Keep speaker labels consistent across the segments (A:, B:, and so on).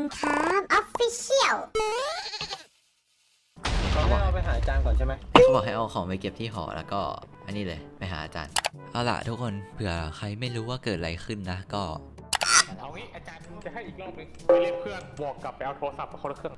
A: ครับออฟฟิเชียล
B: เขาให้เราไปหาอาจารย์ก่อนใช่ไหม
C: เขาบอกให้เอาของไปเก็บที่หอแล้วก็อันนี้เลยไปหาอาจารย์เอาล่ะทุกคนเผื่อใครไม่รู้ว่าเกิดอะไรขึ้นนะก็
D: เอางี้อาจารย์จะให้อีกรอบนึงไปเรียกเพื่อนบอกกลับไปเอาโทรศัพท์มาคนละเครื่อง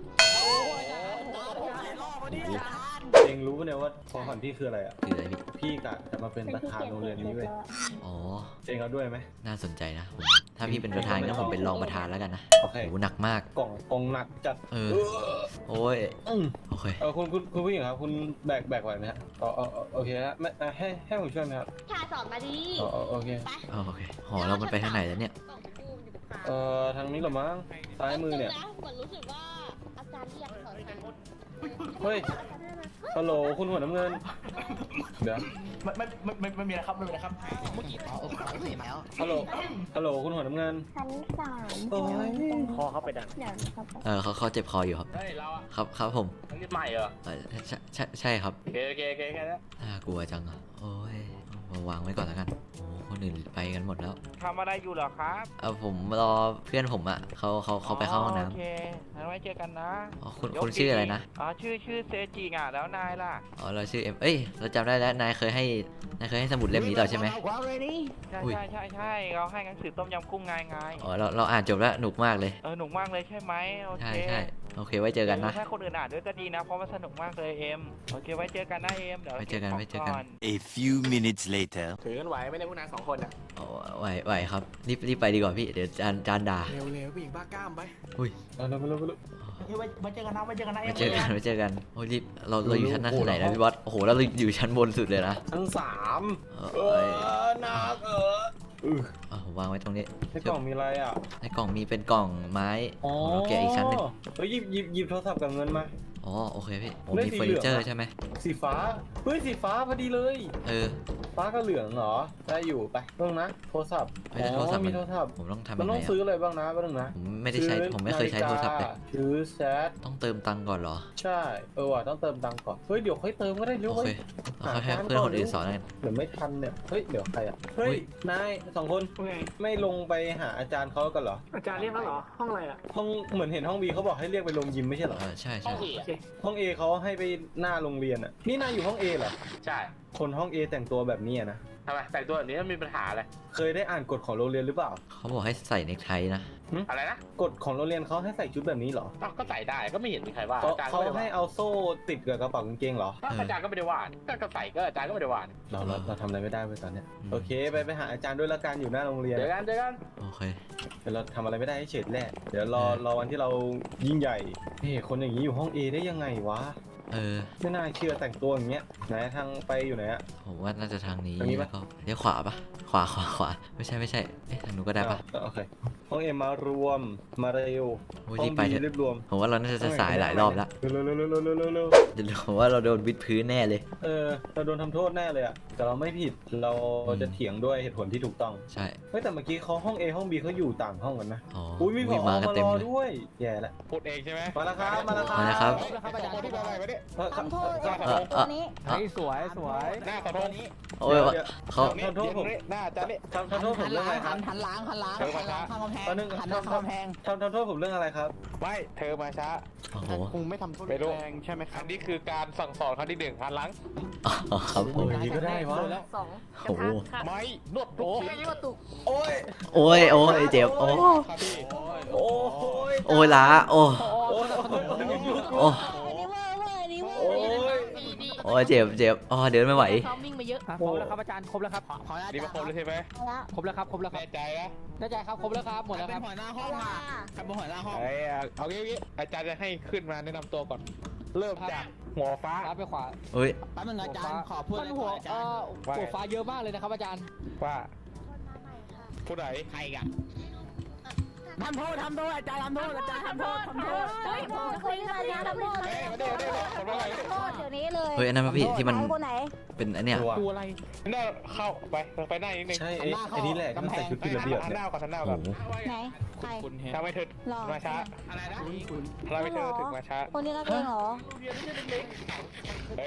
B: เองรู้ปะเนี่ยว่าของขวัญพี่คืออะไรอ่ะ
C: คืออะไรพี่
B: พี่กะจะมาเป็นประธานโรงเรียนนี้เว้ย
C: อ๋อ
B: เองเอาด้วยไหม
C: น่าสนใจนะผมถ้าพี่เป็นประธานก็ผมเป็นรองประธานแล้วกันนะ
B: โอเค
C: โหหนักมาก
B: กล่องหนักจัด
C: โอ้ยโอเค
B: คุณผู้หญิงครับคุณแบกไหวไหมฮะโอเคฮะไม่ให้ผมช่วยไหมครับ
A: ชาสอนมาดี
B: โอเค
C: โอเคหอเรามันไปทางไหนแล้วเนี่ย
B: ทางนี้เหรอมั้งซ้ายมือเนี่ย
A: เหมือนรู้สึกว่าอาจารย์ที่อยากสอนทาง
B: เฮ้ยฮัลโหลคุณหัวน้ำเงินเดี๋ยว
D: ไม่มีนะครับไม่มีนะครับ
B: ฮัลโหลคุณหัวน้ำเงิน
A: ชั้นสาม
B: โอ้ย
D: คอเข้าไปดัน
A: เดี๋ยวนะครับ
C: เขาเจ็บคออยู่ครับ
D: เฮ้ยเราอะ
C: ครับผม
D: ต้องรีบใหม่เหรอ
C: ใช่ครับ
D: โอเคแค่นี้
C: น่ากลัวจังอ่ะโอ้ยมาวางไว้ก่อนแล้วกันโอ้คนอื่นไปกันหมดแล้ว
D: ทำอะไรอยู่เหรอครับ
C: ผมรอเพื่อนผมอ่ะเขาไปเข้าห้องน้
D: โอเคงั้นไว้เจอกันนะ
C: ำอ๋อคุณชื่ออะไรนะ
D: ชื่อเซจิงอ่ะแล้วนายล่ะ
C: อ๋อเราชื่อเอ้ยเราจำได้แล้วนายเคยให้สมุดเล่มนี้ต่อใช่ไหม อุ้ย
D: ใช่เราให้หนังสือต้มยำกุ้งไง
C: อ๋อเราอ่านจบแล้วหนุกมากเลย
D: หนุกมากเลยใช่ไหมโอเค
C: ใช่โอเคไว้เจอกันนะ
D: ถ้าคนอื่นอ่านด้วยก็ดีนะเพราะมันสนุกมากเลยเอ็มโอเคไว้เจอกันนะเอ็มเดี๋ยว
C: ไว้เจอกัน
E: A few minutes later
D: ถือกันไหวไม่ได้พวกนาย2 คนอ่ะ
C: อ๋อไหวครับรีบไปดีกว่าพี่เดี๋ยวจานด่า
D: เร็วผู้หญิงบ้ากล้ามไป
C: อุ้ย
B: เอาเร็ว
D: ไว้เจอกันนะเอ็ม
C: ไว้เจอกันโอ้ยรีบเราอยู่ชั้นไหนนะพี่บอสโอ้โหเราอยู่ชั้นบนสุดเลยนะ
B: ชั้นสาม
C: เอ้ย
B: หนัก
C: ผมวางไว้ตรงนี้
B: ในกล่องมีอะไรอ่ะ
C: ในกล่องมีเป็นกล่องไม้เราแกะอีกชั้นหนึง
B: เฮ้ยหยิบโทรศัพท์กับเงินมา
C: อ๋อโอเคพี่ผม
B: เล่น
C: มี
B: สี
C: เฟอร์
B: เหลื
C: นิ
B: อง
C: เจอร์
B: อะ
C: ใช่ไหม
B: สีฟ้าเฮ้ยสีฟ้าพอดีเลย ฟ้ากับเหลืองเหรอได้อยู่ไปเรื่องนะโทรศัพท์
C: ไม่ได้โทรศัพท์
B: มีโทรศัพท์
C: ผมต้องทำ
B: มั
C: ยั
B: น
C: งไง
B: ต้องซื้ออะไรบ้างนะบ้างนะ
C: ผมไม่ได้ใช้ผมไม่เคยใช้โทรศัพท์เลย
B: ซื้อแชท
C: ต้องเติมตังค์ก่อนเหรอ
B: ใช่ว่ะต้องเติมตังค์ก่อนเฮ้ยเดี๋ยวค่อยเติมก็ได้เร็ว
C: โอเคเราค่อยให้เพื่อนคนอื่นสอนกัน
B: เดี๋ยวไม่ทันเนี่ยเฮ้ยเดี๋ยวใครอ่ะเฮ้ยนาย2 คนไม่ลงไปหาอาจารย์เขากันเหรอ
D: อาจารย์เรียกเขาเหรอห้องอะไรอ่ะ
B: ห้องเหมือนเห็นห้องบีเขาบอกให้เรียกไปลงยิมไม่ใช่เหรอ
C: ใช่
B: ห้องเอเขาให้ไปหน้าโรงเรียนอ่ะนี่นายอยู่ห้องเอเหรอ
D: ใช่
B: คนห้องเอแต่งตัวแบบนี้อะนะ
D: ทำไมแต่งตัวแบบนี้มีปัญหาอะไร
B: เคยได้อ่านกฎของโรงเรียนหรือเปล่า
C: เขาบอกให้ใส่เนคไทนะ
D: อะไรนะ
B: กฎของโรงเรียนเขาให้ใส่ชุดแบบนี้เหรอ
D: ก็ใส่ได้ก็ไม่เห็นมีใครว่า
B: เขา
D: อาจารย์ก็
B: เขา
D: ไม่ได้
B: ให้
D: ว่า
B: เอาโซ่ติดกับกระเป๋ากางเกงเหรอ
D: อาจารย์ก็ไม่ได้ว่าก็ใส่ก็อาจารย์ก็ไม่ได้ว่า
B: เราทำอะไรไม่ได้เลยตอนเนี้ยโอเคไปหาอาจารย์ด้วยละกันอยู่หน้าโรงเรียน
D: เจอกัน
C: โอเค
B: เดี๋ยวเราทำอะไรไม่ได้ให้เฉดแรกเดี๋ยวรอวันที่เรายิ่งใหญ่นี่คนอย่างนี้อยู่ห้อง A ได้ยังไงวะไม่น่าเชื่อแต่งตัวอย่างเงี้ยไหนทางไปอยู่ไหนอะ
C: ผมว่าน่าจะทางนี้
B: ทางนี้ปะ
C: แล้วก็เลี้ยวขวาปะขวาไม่ใช่เอ๊ะทางนู้นก็ได้ปะ
B: โอเคห้อง A มารวมมาเร็ว
C: โอ้ย
B: ห้อ
C: รี
B: ง
C: บไป
B: B
C: เถอะ
B: รีบรวม
C: ผมว่าเราน่าจะสายหลายรอบแล้ว
B: เร็ว
C: เดี๋ยวผมว่าเราโดนวิดพื้นแน่เลย
B: เราโดนทำโทษแน่เลยอะแต่เราไม่ผิดเราจะเถียงด้วยเหตุผลที่ถูกต้อง
C: ใช่
B: เฮ้ยแต่เมื่อกี้เขาห้อง A ห้อง B เขาอยู่ต่างห้องกันนะ
C: อ๋อ
B: อุ้ยมีผอ
C: มากัน
B: มา
C: เต็
B: ร
C: ม
B: อ
C: เลย
B: ด้วยแย่ละ
D: พูดเองใช่ไหม
B: มาแล้วครับมาแล้วครับ
C: มาแล้วครับ
D: อาจารย์ที่อะไรวะเนี่ย
A: ทำโทษตัวนี้
D: สวยหน้าขอโทษนี้
C: โอ้ยเขา
B: ทำโทษผม
D: หน้าอาจารย์นี่
B: ทำโทษผมเรื่องอะไรครับ
F: หันหลังข้างกำแพง
B: ตอนนึง
F: หันหน้าข้างกำแพง
B: ทำโทษผมเรื่องอะไรครับ
D: ไม่เธอมาช้า
C: โอ้โห
F: คงไม่ทำโทษ
D: ไม่รู้
F: แรงใช่ไหมค
D: อั
F: รับ
D: นนี้คือการสั่งสอนครั้งที่1หันหลัง
C: อ๋อครับผม
B: โอ้ยนี่ก็ได้วะ
A: สอง
C: โอ้โห
D: ไม่นวดโอ้
A: ไม่ว่าตุก
B: โอ้ย
C: โอ้ยเจ็บโอ้
D: ครับพี่
B: โอ้ย
C: โอ้ยล้าโอ้
B: โอ้ย
C: โอ้
A: อันนี้เวอร์อันนี้เวอ
B: โอ้
A: ร์
B: ย
C: โอ้ยเจ็บอ๋อเดินไม่ไหว
A: ซ้อมวิ่งมาเยอะ
F: ครบแล้วครับอาจารย์ครบแล้วครับขออนุญาต
D: นี่มาครบเลยใช่ไหม
A: แล้ว
F: ครบแล้วครับครบแล้วครับ
D: แน่ใจนะ
F: แน่ใจครับครบแล้วครับหมดแล้วครับ
A: หัวหน้าห้องค่ะ
F: ครับหัวหน้าห้อง
D: เอางี้อาจารย์จะให้ขึ้นมาแนะนำตัวก่อน เริ่มจากหัวฟ้า
F: ซ้ายไปขวา
C: เฮ้ย
F: แป๊บนึงอาจารย์ขอพูดอะไรก่อนอาจารย์หัวฟ้าเยอะมากเลยนะครับอาจารย์
D: ว่าผู้ไหน
F: ใครกันทำโทษอาจารย์ทำโทษ
A: เฮ้ยผมจะคุยกันนะทำโทษ
D: เฮ้ยมาเดี๋ยวคนว่าไง
A: โทษเดี๋ยวนี้เลย
C: เฮ้ยอันนั้นพี่ที่มัน
A: คนไหน
C: เป็นอันเนี้ย
F: ตัวอะไร
D: น่าเข้าไปหน้านิดนึง
B: ใช่ไอ้นี่แหละที่มันใส่ชุดผิดระเบียบ
D: หันห
B: เนี่ย
D: น้าก่อนหันหน้า
C: โอ้
D: ก่อน
C: โห
A: ไหนใคร
F: คุณเห็น
D: ทำให้เธอ
A: หรอ
D: มาช้า
F: อะไรนะ
D: ทำให้เธอถึงมาช้า
A: คนนี้นักเองเหรอ
D: เฮ้ย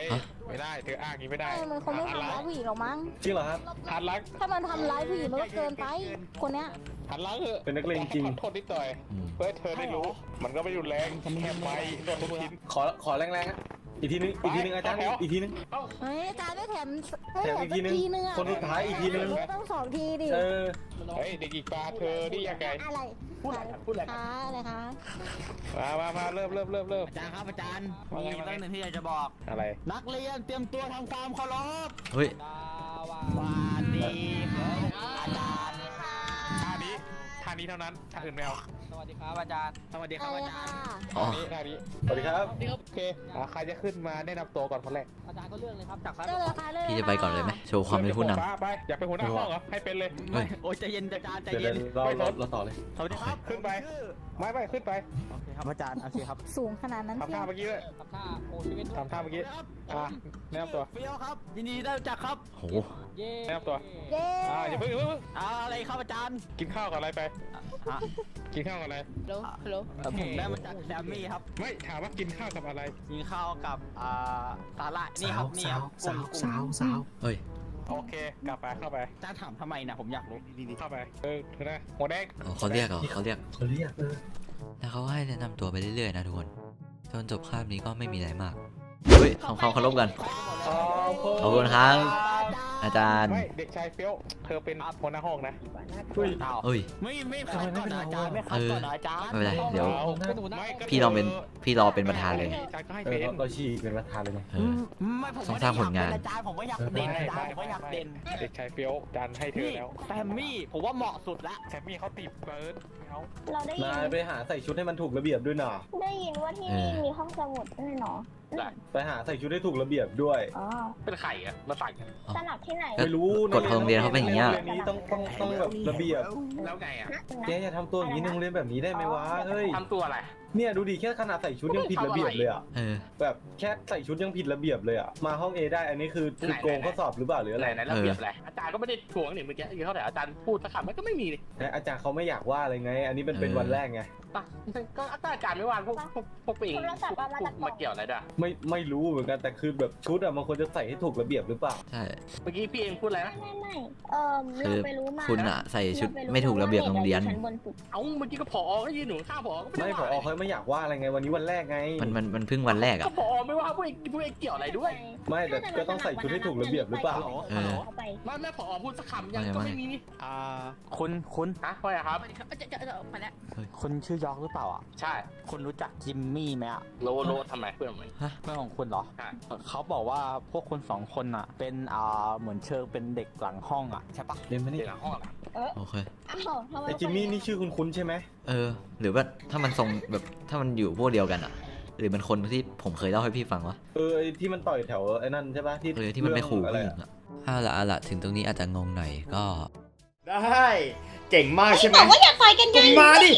D: ไม่ได้เธออ้างอย่างนี้ไม่ได้
A: มันคงไม่ทำร้ายผู้หญิงหรอกมั้ง
B: จริงเหรอครับ
D: หันหลัง
A: ถ้ามันทำร้ายผู้หญิงมันก็เกินไป คนเนี้ย
D: หันหลังเถอะ
B: เป็นนักเลงจริง
D: ขอโทษนิดหน่อย
C: อืม
D: เพื่อให้เธอได้รู้ มันก็ไม่รุนแรงแค่ไปโดนทุกชิ้น
B: ขอแรงๆฮะอีกทีนึงอาจารย์อีกทีนึง
A: เฮ้ยอาจารย์ไม่แถม
B: แถมอีกทีนึง
A: อะ
B: คนสุดท้ายอีกทีนึง
A: ต้อง2 ทีดิ
B: เออ
D: เฮ้ยเด็กอีกปลาเธอนี่ยังไง
A: อะไรพูดอะไรคะอะไรคะ
D: มาเริ่ม
F: อาจารย์ครับอาจารย์
D: ว่าไง
F: มีเรื่องหนึ่งที่อยากจะบอก
D: อะไร
F: นักเรียนเตรียมตัวทำความเคารพ
C: เฮ้ย
F: สวัสดีครับอาจารย์
D: ท่านี้เท่านั้นท่าอื่นไม่เอา
F: สวัสดีครับอาจารย์ สวัสดีครับอาจารย์
C: อ๋อ
D: ท่านี้
B: สวัสดีครับ
D: โอเคใครจะขึ้นมาแนะนำตัวก่อนคนแรก
F: อาจารย์ก็เรื่องเลยครับจากซ้าย
A: เจอเลยค่ะเลย
C: พี่จะไปก่อนเลยไหมโชว์ความเป็นผู้น
D: ฟ้าไปอยากเป็นหัวหน้าห้องเหรอให้เป็นเลย
C: ำเฮ้ย
F: โอ้ยใจเย็นอาจารย์ใจ
B: เดี๋ยว
F: เย็น
B: เราต่อเลย
F: สวัสดีครับ
D: ขึ้นไปไม่ขึ้นไป
F: โอเคครับอาจารย์โอเคครับ
A: สูงขนาดนั้น
D: ทำ
A: เชี
D: ท่า
A: ยว
D: เมื่อกี้ด้วย
F: ทำท่าโอ้ชีวิต
D: ทำท่าเมื่อกี้แนะนำตัว
F: เฟี้ยวครับยินดีได้รู้จักครับ
C: โห
F: เย้
D: แนะนำตัว
A: เย้
D: อย่าเพิ่ง
F: อะไรครับอาจารย์
D: กินข้าวกับอะไรไป
F: ฮะ
D: กินข้าวกับอะไร
F: ฮัลโหลผมได้มาจากแซมมี่ครับ
D: ไม่ถามว่ากินข้าวกับอะไร
F: กินข้าวกับสาหร่ายนี่ครับนี่ครับกุ้ง
C: เฮ้ย
D: โอเคกลับไปเข้าไป
F: อาจารย์ถามทำไมนะผมอยากรู้
D: เข้าไปเธอนะหัวแดง
C: อ๋อเขาเรียกเหรอเขาเรียก
B: เขาเรียก
C: แล้วเขาให้แนะนำตัวไปเรื่อยๆนะทุกคน จนจบคาบนี้ก็ไม่มีอะไรมาก เฮ้ยทำความเคารพกัน ขอบคุณครับ อาจารย์
D: ไม่เด็กชายเฟี้ยวเธอเป็นหัวหน้าห้องนะ
C: เฮ้ย
F: ไม่คัดก่อนนะอาจารย์ไม่คัดก่อนนะอาจารย์
C: ไม่เป็นไร เดี๋ยว
D: ไม่ก็
C: พี่รอเป็นประธานเลย
D: อาจารย์ก็ให้
B: เอ
D: เป็
B: อน เราชี้เป็นประธานเลยไง
C: เออ
F: ไม่ผม
C: ต้อง
F: ไม่
C: สร้างผลงาน
F: อาจารย์ผมก็อยากเด่นอาจารย์ผมก็อยากเด่น
D: เด็กชายเฟี้ยวอาจารย์ให้เธอแล้ว
F: แซมมี่ผมว่าเหมาะสุดละ
D: แซมมี่เขาติดเบิร์ดเขา
G: เราได้ยิ
B: นายไปหาใส่ชุดให้มันถูกระเบียบด้วยนะ
G: ได้ยินว่าที่นี่มีห้องสมุดด้วยเนาะ
B: ไปหาใส่ชุดให้ถูกระเบียบด้วย
G: อ๋อ
D: เป็นไข่อะมาใส่
G: สนับที่ไหน
C: ก็
B: ไม่รู้
C: กฎของโรงเรียนเขาเป็นอย่างเงี้ย
B: โรงเรียนนี้ต้องแบบระเบียบ
D: แล้วไงอะ
B: แกอย่าทำตัวอย่างนี้ในโรงเรียนแบบนี้ได้ไหมวะเฮ้ย
D: ทำตัวอะไร
B: เนี่ยดูดิแค่ขนาดใส่ชุดยังผิดระเบียบเลยอ่ะ
C: เออ
B: แบบแค่ใส่ชุดยังผิดระเบียบเลยอ่ะมาห้อง A ได้อันนี้คือโกงข้อสอบหรือเปล่าหรืออะไร
D: ไหนระเบียบอะไรอาจารย์ก็ไม่ได้ทวงนี่เมื่อกี้ยืนเท่าไหร่อาจารย์พูดสักคำมันก็ไม่มีเลย
B: นะอาจารย์เขาไม่อยากว่าอะไรไง อันนี้เป็นวันแรกไง
D: ก็อาจารย์ไม่ว่างพวกปิงมาเกี่ยวอะไรด้วย
B: ไม่รู้เหมือนกันแต่คือแบบชุดอะมันควรจะใส่ให้ถูกระเบียบหรือเปล่า
C: ใช่
D: เมื่อกี้พี่เองพูดอะไรนะ
G: ไม่เราไปรู้มา
C: คุณอะใส่ชุดไม่ถูกระเบียบโรงเรียน
G: ชั้นบนสุด
D: เอ้าเมื่อกี้ก็ผอก็ยืนหนูข้างผอก็
B: ไม่พอเขาไม่อยากว่าอะไรไงวันนี้วันแรกไง
C: มันเพิ่งวันแรก
D: ก็
C: อะ
D: ผอไม่ว่าพวกเองเกี่ยวอะไรด้วย
B: ไม่แต่ก็ต้องใส่ชุดให้ถูกระเบียบหรือเปล่า
C: เออ
G: เข้าไป
D: ไม่แม่ผอพูดสักคำยังก็ไม่มีนี่
F: คุณ
D: ฮะว่าไงครับ
F: คุณชื่อยอกหรือเปล่าอ่ะ
D: ใช่
F: คุณรู้จักจิมมี่ไหมอ่ะ
D: โลทำไมเพื่อนไหม
F: เพื่อนของคุณเหรอ
D: ใช่
F: เขาบอกว่าพวกคุณสองคนอ่ะ เป็นเหมือนเชิงเป็นเด็กหลังห้องอ่ะใช่ปะ
B: เรียนมานี่
D: เดี๋ยวหลังห้องหลัง
C: โอเค
G: อ้าวทำไม
B: ไอจิมมี่นี่ชื่อคุ้นๆใช่ไหม
C: เออ หรือว่าถ้ามันทรงแบบถ้ามันอยู่พวกเดียวกันอะหรือมันคนที่ผมเคยเล่าให้พี่ฟังวะ
B: ไอที่มันต่อยแถวไอ้นั่นใช่ปะที่
C: ที่มันไปขู่
B: อะไร
C: ผู้หญิงอะเอาละถึงตรงนี้อาจจะงงหน่อยก็
H: ได้เก่งมากใช่ไหม
G: บอกว่าอย่าต่อยกันไง
H: ก็มาดิ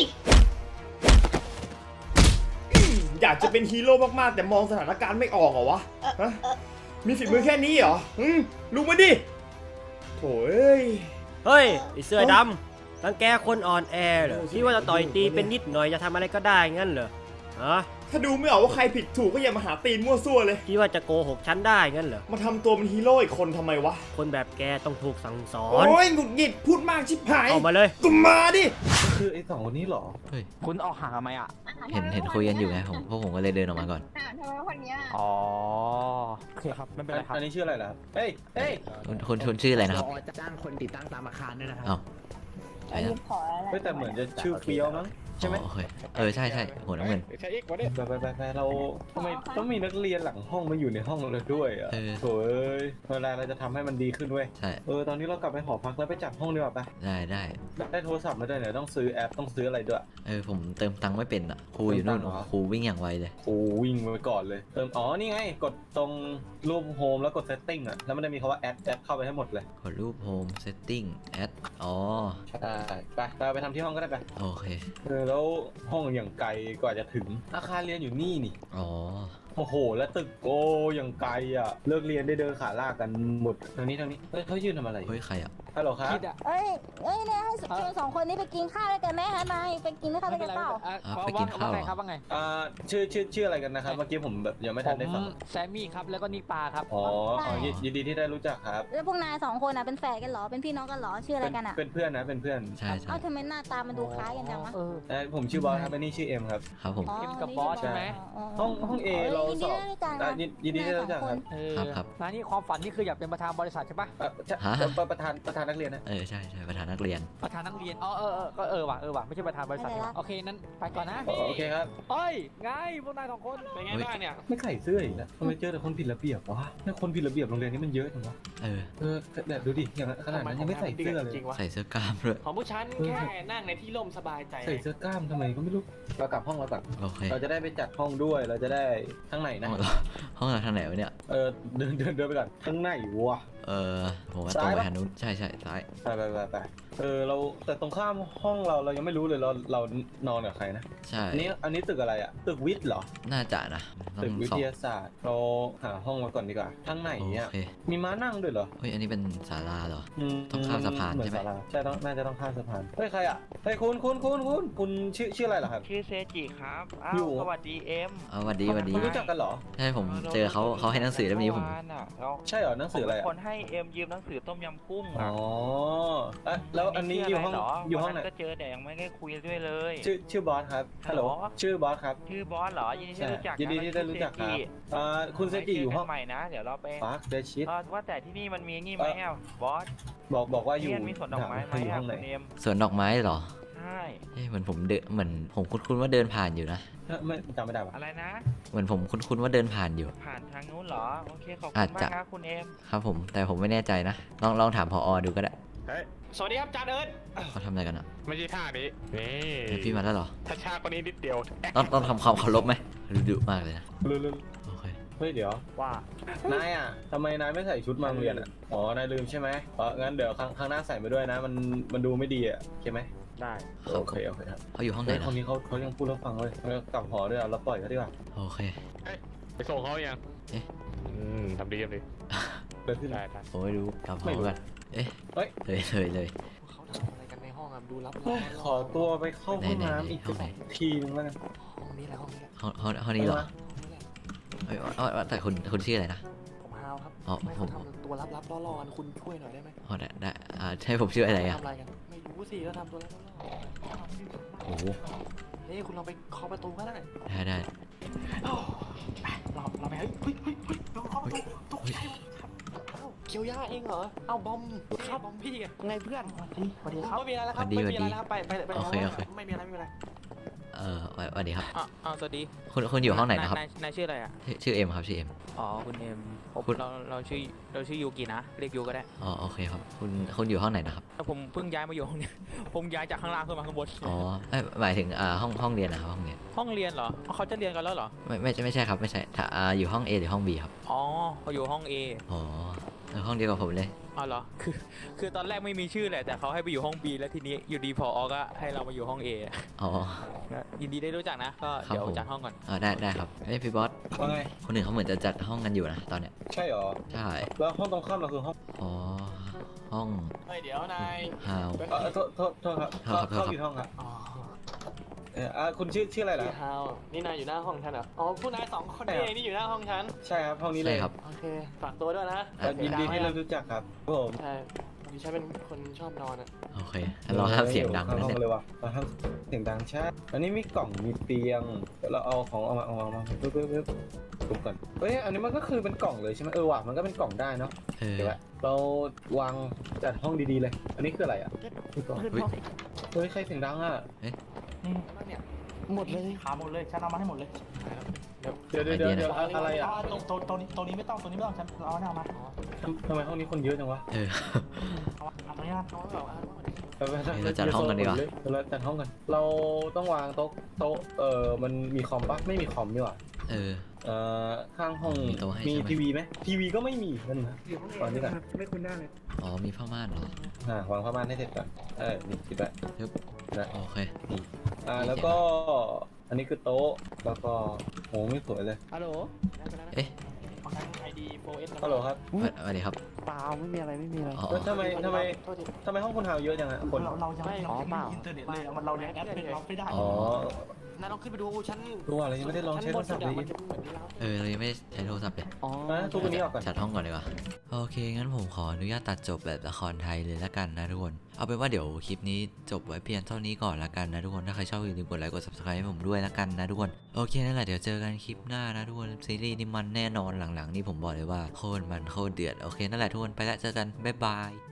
H: อยากจะเป็นฮีโร่มากๆแต่มองสถานการณ์ไม่ออกเหรอวะฮะมีฝีมือแค่นี้เหรอลุกมาดิโถ่เอ้ย
I: เฮ้ยไอเสื้อดำรังแกคนอ่อนแอเหรอคิดว่าจะต่อยตีเป็นนิดหน่อยจะทำอะไรก็ได้งั้นเหรอฮะ
H: ถ้าดูไม่ออกว่าใครผิดถูกก็อย่ามาหาตีนมั่วซั่วเลย
I: คิดว่าจะโกหกฉันได้งั้นเหรอ
H: มาทำตัวเป็นฮีโร่อีกคนทำไมวะ
I: คนแบบแกต้องถูกสั่งสอน
H: โอ้ยหงุดหงิดพูดมากชิบหาย
I: เอามาเลย
H: ก็มาดิ
B: คือไอสองคนนี้เหรอ
C: เฮ้ย
F: คุณออกห่างทำไมอ่ะ
C: เห็นคุยกันอยู่ไงผมก็เลยเดินออกมาก่อน
G: ทำไมคนเนี้ย
F: อ๋อโอเคครับไม่เป็นไรครับ
B: อันนี้ชื่ออะไรล่ะเฮ้ย
C: คุณชื่ออะไรนะครับ
F: จะจ้างคนติดตั้งตามอาคารด้วยนะครับ
C: เอ้าใช่นะ
G: ขออะไร
B: เฮ้ยแต่เหมือนจะชื่อเฟี้ยวมั้งใช่ไหม
C: อ๋อโอเคใช่หัวน้ำเงิน
D: ใช่อีกวันนี้
B: ไปเราทำไมต้องมีนักเรียนหลังห้องมาอยู่ในห้องเราด้วยอ่ะ
C: เออ
B: โถ่เอ้ยเวลาเราจะทำให้มันดีขึ้นเว้ย
C: ใช่
B: ตอนนี้เรากลับไปหอพักแล้วไปจัดห้องดีกว่าปะ
C: ได้
B: ได้โทรศัพท์มาด้วยเนี่ยต้องซื้อแอปต้องซื้ออะไรด้วย
C: ผมเติมตังค์ไม่เป็นอะครูอยู่นู่น
B: เติมตังค์เหรอ
C: ครูวิ่งอย่างไวเลย
B: โอ้วิ่งไปก่อนเลยนี่ไงกดตรงรูปโฮมแล้วกดเซตติ้งอ่ะแล้วมันจะมีคำว่าแอดเข้าไปให้หมดเลย
C: กดรูปโฮมเซตติ้งแอดอ๋อ
B: ใช่ไปทำที่ห้องก็ได้ไป
C: โอเค
B: แล้วห้องอย่างไกลกว่าจะถึงอาคารเรียนอยู่นี่นี่
C: อ๋อ
B: โอ้โหแล้วตึกโอ้อย่างไกลอ่ะเลิกเรียนได้เดินขาลากกันหมดทางนี้เฮ้ยเขายืนทำอะไร
C: เฮ้ยใครอะ
B: ฮัลโหลครับ
A: เอ้ยเนี่ยให้ชวน2 คนนี้ไปกินข้าวด้วยกันไหมฮะนายไปกินข้าวด้วยกันเปล่า
C: ไปกินข้าว
F: ว่าไงครับว่าไง
B: ชื่ออะไรกันนะครับ เมื่อกี้ผมแบบยังไม่ทันได้ฟัง
F: แซมมี่ครับแล้วก็นี่ปลาครับ
B: อ๋อยินดีที่ได้รู้จักครับ
A: แล้วพวกนาย2 คนเป็นแฝดกันเหรอเป็นพี่น้องกันเหรอชื่ออะไรกันอ่ะ
B: เป็นเพื่อนนะเป็นเพื่อน
C: ใช่ใช่
A: เอ้าทำไมหน้าตามันดูคล้ายกันจังวะ
B: ผมชื่อบอสครับอันนี้ชื่อเอ็มครับ
C: ครับผม
F: เอ็มกับบอสใช่ไหม
B: ห้องเอเราสอบยินดีที่ได้รู้จักครับ
C: ครับ
F: ร้านนี้ความฝันนี่คืออยากเป็นประธานบริษัทใช่ปะ
B: ประธานนักเรียนนะ
C: ใช่ใช่ประธานนักเรียน
F: ประธานนักเรียนก็ว่ะไม่ใช่ประธานบริษัทโอเคนั้นไปก่อนนะ
B: โอเคครับ
F: เฮ้ยไงพวกนาย2 คนเป็นไงบ้างเนี่ย
B: ไม่ใส่เสื้ออีกแล้วทำไมเจอแต่คนผิดระเบียบวะคนผิดระเบียบโรงเรียนนี้มันเยอะจังวะแต่ดูดิอย่างขนาดนั้นยังไม่ใส่เสื้อเลย
C: ใส่เสื้อกล้ามด้วย
I: ของผู้ชั้นแค่นั่งในที่ร่มสบายใจ
B: ใส่เสื้อกล้ามทำไมก็ไม่รู้เรากลับห้องเราก่อน
C: โอเค
B: เราจะได้ไปจัดห้องด้วยเราจะได้ข้างไหนนะ
C: ห้องเราทางไหนวะเนี่ย
B: เดินไปก่อนข้างในวะ
C: ผมว่าตรงไปทางนู้นใช่ใช่ซ้าย
B: ไปเราแต่ตรงข้ามห้องเรายังไม่รู้เลยเรานอนกับใครนะ
C: ใช่
B: อันนี้ตึกอะไรอะตึกวิทย์เหรอ
C: น่าจะนะต้
B: ตึ
C: อก ง
B: วิ
C: สอบ
B: ทยาศาสตร์เราหาห้องมาก่อนดีกว่าทางไหน
C: โอ
B: เนี่ย
C: เค
B: มีม้านั่งด้วยเหรอ
C: เฮ้ยอันนี้เป็นศาลาเหรอ ต้องข้ามสะพานใช่ไหม
B: เอศลใช่น่าจะต้องข้ามสะพานเฮ้ยใครอะเฮ้ยคุณชื่ออะไรเหรอครับ
J: ชื่อเซจิครับอ้า
B: อยู่
J: วสวัสดีเอ็ม
C: สวัสดีสวัสดี
B: คุณรู้จักกันเหรอ
C: ใช่ผมเจอเขาให้หนังสือเล่มนี้ผม
B: ใช่เหรอหนังสืออะไร
J: ผมเป็น
B: อะ
J: คนให้เอ็มยืมหนังสือต้มยำกุ้ง
B: อ๋อแล้วอันนี้อยู่ห้องไหน
J: ก็เจอแต่ยังไม่ได้คุยด้วยเลย
B: ชื่อบอสครับฮัลโหล
J: ฮัลโหล
B: ชื่อบอสครับ
J: ชื่อบอสเหรอยินดีที่รู้จัก
B: ยินดีที่ได้รู้จักครับคุณเซจิอยู่ห้อง
J: ใหม่นะ เดี๋ยวเราไป
B: ฟาร์คเดชิต
J: ว่าแต่ที่นี่มันมีนี่ไหมอ่ะบอส
B: บอกว่าอยู่
J: เรียนมีสวนดอกไม้ไหม
B: อยู่
J: อ่ะ
B: ห้องไหน
J: คุณเอ็ม
C: สวนดอกไม้เหรอ
J: ใช่
C: เหมือนผมคุ้นว่าเดินผ่านอยู่นะ
B: ไม่จำไม่ได้ปะ
J: อะไรนะ
C: เหมือนผมคุ้นว่าเดินผ่านอยู่
J: ผ่านทางนู้นเหรอโอเคขอบ
C: อา
J: คุ
C: จ
J: ณ
C: จะ
J: มากครับคุณเอ็ม
C: ครับผมแต่ผมไม่แน่ใจนะลองถามผอดูก็ได้
D: สวัสดีครับจานเอิร์ธ
C: เขาทำอะไรกันอ่ะ
D: ไม่ใช่ท่านี้นี่
C: พี่มาแล้วเหรอ
D: ถ้าช้ากว่านี้นิดเดียว
C: ต้องทำความเคารพไหมดุมากเลยนะ
B: เรื่อย
C: โอเค
B: ๆเฮ้ยเดี๋ยว
F: ว่า
B: นายอ่ะทำไมนายไม่ใส่ชุดมาโรงเรียนอ่ะอ๋อนายลืมใช่ไหมงั้นเดี๋ยวครั้งหน้าใส่มาด้วยนะมันดูไม่ดีอ่ะใช่ไหม
F: ได้
B: โอเคครับ
C: เขาอยู่ห้องไหน
B: เฮ้ย
C: นะ
B: คนนี้เขายังพูดแล้วฟังเลยแล้วกลับหอด้วยเราปล่อยเขาดีกว่า
C: โอเค
D: ไปส่งเขายัง
C: เอ๊ะ
D: ทำดี
B: เดินขึ้น
D: ได้
C: ผมไม่รู้กลับห
B: ไม่
C: อ
B: รู้
C: กันเอ๊ะ
B: เฮ้ย
C: เลย
I: เขาทำอะไรกันในห้องอ่ะดูรับ
B: ขอตัวไปเข้าห้อง
C: ไหน
B: น้ำอีก
C: ห้องไหน
B: ทีนึงแล้วกัน
I: ห้องนี้แหละห้องนี้แหละ
C: ห้องนี้เหรอเฮ้ยแต่คุณชื่ออะไรนะ
I: ผมฮาวครับ
C: อ๋อ
I: ไม่
C: ผม
I: เขาทำตัวลับๆล่อๆคุณช่วยหน่อยได้ไหม
C: อ๋อได้ใช่ผมชื่ออะไรอ่ะ
I: ทำอะไรกันไม่รู้สิก็ทำตัวลับๆ
C: โอ้โห
I: เฮ้ยคุณลองไปเคาะประตูก็ได้
C: ได้
I: เราไปเฮ้ยเราเคาะประตูตกใจหมดครับเอ้าเคียวย่าเองเหรอเอ้าบอมครับบอมพี่ไงเพื่อนสวัสดีครับไม่มีอะไรแล้วครับไม่มีอะไรแล้วครับไปไม่มีอะไรไม่มีอะไร
C: สวัสดีครับ
I: สวัสดี
C: คุณอยู่ห้องไหนนะครับ
I: นายชื่ออะไรอ่ะ
C: ชื่อเอ็มครับชื่อเอ็ม
I: อ๋อคุณเอ็ม
C: คุณ
I: เราชื่อยูกินะเรียกยูก็ได้
C: อ๋อโอเคครับคุณอยู่ห้องไหนนะครับ
I: ผมเพิ่งย้ายมาอยู่ห้องนี้ ผมย้ายจากข้างล่างขึ้นมาข้างบน
C: อ๋อหมายถึงห้องเรียนนะครับห้องเรียน
I: ห้องเรียนเหรอเขาจะเรียนกันแล้วเหรอ
C: ไม่ใช่ครับไม่ใช่ถ้าอยู่ห้อง A หรือห้อง B ครับ
I: อ๋อเขาอยู่ห้อง A
C: อ๋อห้องเดียวกับผมเลย
I: อ๋อเหรอคือตอนแรกไม่มีชื่อแหละแต่เขาให้ไปอยู่ห้อง B แล้วทีนี้อยู่ดีพอก็ให้เรามาอยู่ห้อง A
C: อ๋อ
I: ยินดีได้รู้จักนะก็
C: ครับ
I: เดี๋ยว
C: ผม
I: จัดห้องก่อน
C: ได้ครับพี่บอส
B: ว่าไง
C: คนหนึ่งเขาเหมือนจะจัดห้องกันอยู่นะตอนเนี้ย
B: ใช่เหรอ
C: ใช่
B: แล้วห้องตรงข้ามเราคือห้อง
C: อ๋อห้อง
I: เฮ้ยเดี๋ยวนาย
C: ฮาว
B: โทษครับเข้าผิดห้องครับ
I: อ๋อ
B: คุณชื่ออะไรล่ะ
I: พี่ฮาวนี่นายอยู่หน้าห้องฉันเหรออ๋อผู้นายสองคนนี่เองนี่อยู่หน้าห้องฉัน
B: ใช่ครับห้องนี้เล
C: ใช่
B: ย
C: ครับ
I: โอเคฝากตัวด้วยนะ
B: ยินดีที่เรารู้จักครับผม
I: ใช่ดิฉันเป็นคนชอบนอนอ่ะ
C: โอเคเราห้ามเสียงดัง
B: เข้า
C: นะ
B: ห้อง
C: เนี่ย
B: เลยว่ะเราห้ามเสียงดังใช่อันนี้มีกล่องมีเตียงเดี๋ยวเราเอาของเอามาปึ๊บทุบก่อนเฮ้ยอันนี้มันก็คือเป็นกล่องเลยใช่ไหมว่ะมันก็เป็นกล่องได้เนาะเดี๋ยวเราวางจัดห้องดีๆเลย อันนี้คืออะไรอ่ะเฮ้ยใครเสียงดังอ่ะ
I: หมดเลยขาหมดเลยฉันเอามาให้หมดเลย
B: เดี๋ยวอะไรอ่ะ
I: ตัวนี้ไม่ต้องฉันเอามา
B: ทำไมห้องนี้คนเยอะจังวะ
I: เอาตัวนี้นะเอาแบบ
C: เราจัดห้องกันดีกว่า
B: เราจัดห้องกันเราต้องวางโต๊ะมันมีคอมปะไม่มีคอมนี่หว่าข้างห้อง
C: มีโต๊ะให้
B: มี
C: ใช่ไหม
B: ทีวีไหมทีวีก็ไม่มีนั่นนะวางนี่ก่อน
C: อ๋อมีผ้าม่านเหรอ
B: วางผ้าม่านให้เสร็จก่อนนี่คิดไว้
C: ปึ๊บ
B: นะ
C: โอเค
B: แล้วก็อันนี้คือโต๊ะแล้วก็โหไม่สวยเลย
I: ฮัลโหล
C: เอ๊ะ
I: ของฉันไอดี 4S
B: ฮัลโหลครับ
C: สวัสดีครับ
F: เปล่าไม่มีอะไรไม่มีอะไร
C: อ๋อ
B: แล้วทำไมห้องคุณฮาวเยอะจังอะคน
I: เรายังไม่
F: อ๋อเปล่า
I: อินเทอร์เน็ตเลยมันเราแอดเป็นเราไม่ได้
B: อ๋อ
I: นายลองขึ้นไปดูชั้น
B: รู้อะไรยังไม่ได้ลองใช้โทรศัพท์เลย
I: มันจะเหมือนที่เรา
C: เรายังไม่ได้ใช้โทรศัพท์เลย
F: อ๋อ
B: ทุกวันนี้ออกก่อน
C: จัดห้องก่อนดีกว่าโอเคงั้นผมขออนุญาตตัดจบแบบละครไทยเลยละกันนะทุกคนเอาเป็นว่าเดี๋ยวคลิปนี้จบไว้เพียงเท่านี้ก่อนละกันนะทุกคนถ้าใครชอบอย่าลืมกดไลค์กด subscribe ให้ผมด้วยละกันนะทุกคนโอเคนั่นแหละเดี๋ยวเจอกันคลิปหน้านะทุกคนซีรีส์นี้มันแน่นอนหลังๆนี่ผมบอกเลยว่าโคตรมันโคตรเดือดโอเคนั่นแหละทุกคนไปละเจอกันบ๊ายบาย